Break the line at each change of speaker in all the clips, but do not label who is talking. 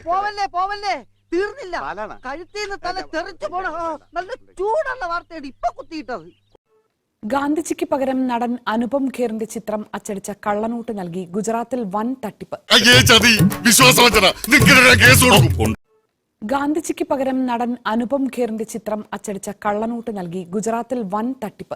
പോവല്ലേ പോവല്ലേ, തീർന്നില്ല. കഴുത്തിന്ന് തല തെറിച്ചു പോണ നല്ല ചൂടുള്ള വാർത്തയാണ് ഇപ്പൊ കുത്തിയിട്ടത്.
ഗാന്ധിജിക്ക് പകരം നടൻ അനുപം ഖേറിന്റെ ചിത്രം അച്ചടിച്ച കള്ളനോട്ട് നൽകി ഗുജറാത്തിൽ വൻ തട്ടിപ്പ്. ഗാന്ധിജിക്ക് പകരം നടൻ അനുപം ഖേറിന്റെ ചിത്രം അച്ചടിച്ച കള്ളനോട്ട് നൽകി ഗുജറാത്തിൽ വൻ തട്ടിപ്പ്.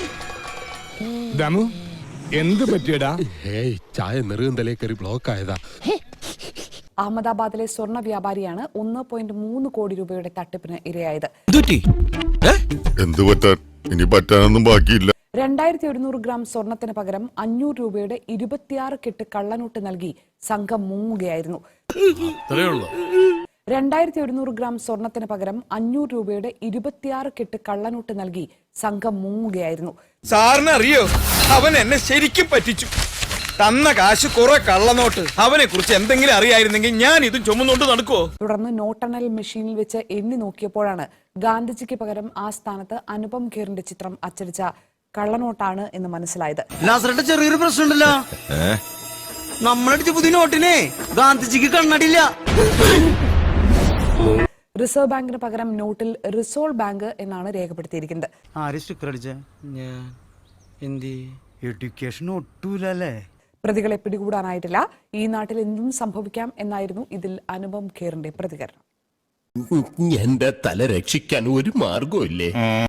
എന്ത് പറ്റിയടാ?
ചായ നെറുകന്തലേ കയറി ബ്ലോക്ക് ആയതാ.
അഹമ്മദാബാദിലെ സ്വർണ്ണ വ്യാപാരിയാണ് 1.3 കോടി രൂപയുടെ തട്ടിപ്പിന് ഇരയായത്.
എന്ത് പറ്റാൻ, ഇനി പറ്റാനൊന്നും ബാക്കിയില്ല.
2100 ഗ്രാം സ്വർണത്തിന് പകരം 500 രൂപയുടെ 26 കെട്ട് കള്ളനോട്ട് നൽകി സംഘം മുങ്ങുകയായിരുന്നു. 2100 ഗ്രാം സ്വർണത്തിന് പകരം 500 രൂപയുടെ 26 കെട്ട് കള്ളനോട്ട് നൽകി സംഘം മുങ്ങുകയായിരുന്നു.
സാറിന് അറിയോ, അവൻ എന്നെ ശരിക്കും പറ്റിച്ചു. തന്ന കാശ് കുറെ കള്ളനോട്ട്. അവനെ കുറിച്ച് എന്തെങ്കിലും അറിയായിരുന്നെങ്കിൽ ഞാൻ ഇതും ചുമന്നുകൊണ്ട് നടക്കുവോ?
തുടർന്ന് നോട്ടെണ്ണൽ മെഷീനിൽ വെച്ച് എണ്ണി നോക്കിയപ്പോഴാണ് ഗാന്ധിജിക്ക് പകരം ആ സ്ഥാനത്ത് അനുപം ഖേറിന്റെ ചിത്രം അച്ചടിച്ച കള്ളനോട്ടാണ് എന്ന് മനസ്സിലായത്.
ചെറിയൊരു പ്രശ്നമുണ്ടല്ലോ, നമ്മളടിച്ച പുതിയ നോട്ടിനെ ഗാന്ധിജിക്ക് കണ്ണടിയില്ല.
റിസർവ് ബാങ്കിന് പകരം നോട്ടിൽ റിസോൾവ് ബാങ്ക് എന്നാണ് രേഖപ്പെടുത്തിയിരിക്കുന്നത്.
ആര് സ്റ്റിക്കർ അടിച്ച? എഡ്യൂക്കേഷൻ ഒട്ടൂലല്ലേ.
പ്രതികളെ പിടികൂടാനായിട്ടില്ല. ഈ നാട്ടിൽ എന്തും സംഭവിക്കാം എന്നായിരുന്നു ഇതിൽ അനുപം ഖേറിന്റെ പ്രതികരണം.
എന്റെ തല രക്ഷിക്കാൻ ഒരു മാർഗമില്ലേ?